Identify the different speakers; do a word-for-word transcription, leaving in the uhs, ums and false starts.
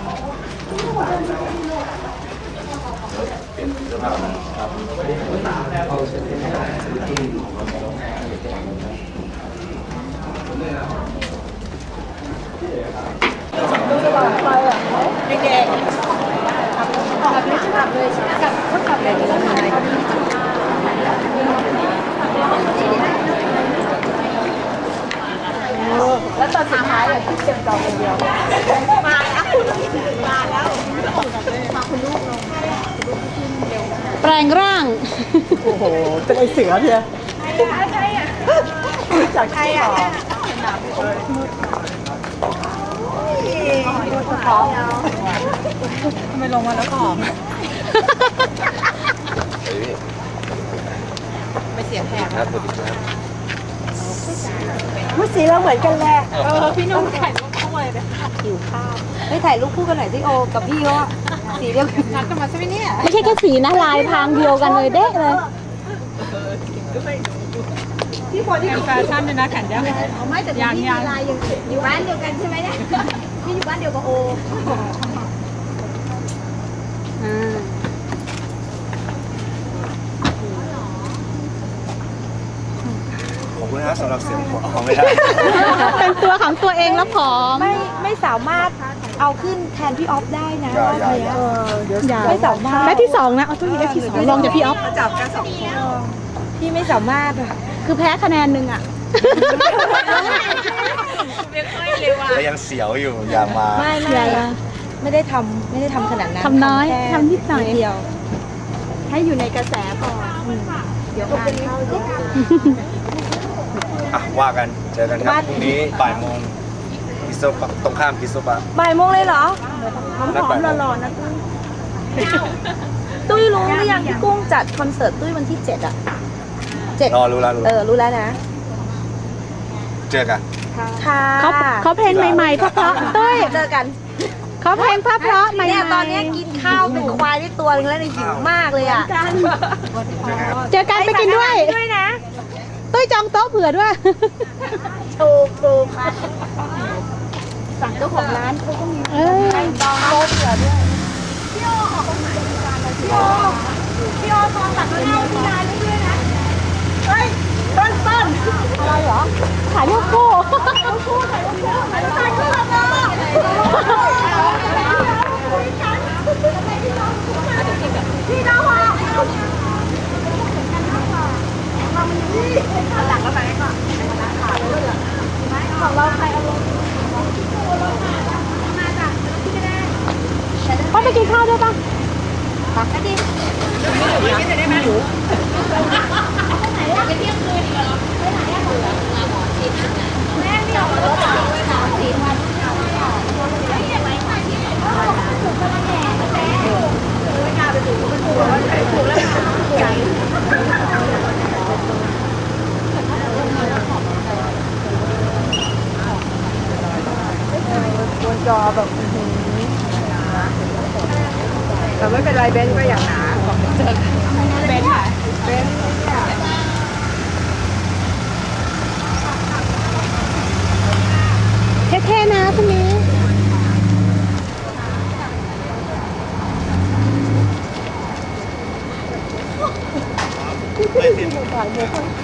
Speaker 1: เด็กๆขับเลยขับเลยขับขับเลยที่ต้องมาแล้วตอนสุดท้ายอะคิดเก็บดอกคนเดียวมาแล้วมาแล้วมาคุณลูกลง
Speaker 2: แปลงร่าง
Speaker 1: โอ้โหเป็นไอเสือเพียใครอ่ะจากใครอ่ะหอมทำไมลงมาแล้วหอมไปเสียงแหบครับสวัสดีครับพูดสีเราเหมือนกันแหละเออพี่นุ่มถ่ายรูปคู่เลยหิวข้าวไม่ถ่ายรูปคู่กันหน่อยสิโอกับพี่เขาสีเดียวกันนัดกันมาใช่ไหมเนี่ย
Speaker 2: ไม่ใช่แค่สีนะลายทางเดียวกันเลยเด้เลย
Speaker 1: ที่พอที่แฟชั่นเลยนะแขนยาวไม่แต่ยังยังลายยังอยู่บ้านเดียวกันใช่ไหมเนี่ยพี่อยู่บ้านเดียวกับโอ
Speaker 3: ขอบคุณนะสำหรับเสียงของไม่ได้
Speaker 2: เป็นตัวของตัวเองแล้วผอม
Speaker 4: ไม่ไม่สามารถเอาขึ้นแทนพี่ออฟได้นะรอบนี้ไม่สามารถ
Speaker 2: ได้ที่สองนะเอาตัวนี้ได้ที่สองลองจากพี่ออฟ
Speaker 1: จับกันสองคน
Speaker 4: พี่ไม่สามารถอ่ะ
Speaker 2: คือแพ้คะแนนหนึ่งอ่ะ
Speaker 1: ไม่ค่อยเลยว่ะ
Speaker 3: แต่ยังเสียวอยู่อยากมา
Speaker 4: ไม่ไม่ไม่ได้ทำไม่ได้ทำขนาดนั้น
Speaker 2: ทำน้อยทำนิดหน่อย
Speaker 4: เดียว
Speaker 2: ให้อยู่ในกระแสก่อนเดี๋ยวงานเข้าเยอะ
Speaker 3: อ่ะว่ากันเจอกันครับพรุ่งนี้บ่ายโมงพิโซปะตรงข้ามพิโซปะ
Speaker 4: บ่ายโมงเลยเหรอ
Speaker 3: หอม
Speaker 4: ๆหล่อๆนะตุ้ยรู้หรือยังพี่กุ้งจัดคอนเสิร์ตตุ้ยวันที่เจ็ดอ่ะ
Speaker 3: เจ็ดรอรู้แล้วรู้
Speaker 4: เออรู้แล้วนะ
Speaker 3: เจอกัน
Speaker 4: ค่ะ
Speaker 2: เขาเขาเพลงใหม่ๆเพราะๆตุ้ย
Speaker 4: เจอกัน
Speaker 2: เขาเพลงเพราะๆใหม่ๆ
Speaker 4: เนี่ยตอนนี้กินข้าวเป็นควายได้ตัวนึงแล้วเนี่ยหิวมากเลยอ่ะ
Speaker 2: เจอกันไปกินด้วย
Speaker 4: ด้วยนะ
Speaker 2: ตุ้ยจองโต๊ะเผื่อด้วย
Speaker 4: ถูกถูกสั่งเจ้าของร้านเขาก็มีจองโต๊ะเผื่อด้วยพี่โอขอบคุณพี่โอพี่โอจองสั่งข้าวที่ร้านด้วยนะเฮ้ยต้นต้นอะไรเหรอ
Speaker 2: ถ่ายรูปคู่
Speaker 4: ถ่ายรูปคู่ถ่ายรูปคู่ถ่ายรูปคู่กับน้องพี่น้องว่ะหลังก็ไปก่อนของเราใครเอาลงมาจ้ะพี่ก็ได้
Speaker 2: พ่อไปกินข้าวด้วยป่ะ
Speaker 4: ค่ะก็ดีไม่กินได้ไหมหนูไหนอะไปเที่ยงคืนอีกเหรอไปไหนอะแม่ไม่เอารถอ่ะสามสี่วันไม่เห็นไหมค่ะที่ถูกกระแหน่กระแหน่ไม่กล้าไปถูกมันถูกแล้วใครถูกแล้วใหญ่บนจอแบบแต่ไม่เป็นไรเบนก็อย่างหนาเจอเบนค่ะเบน
Speaker 2: เท่ๆนะพรุ่งนี้
Speaker 3: ไม่เห็น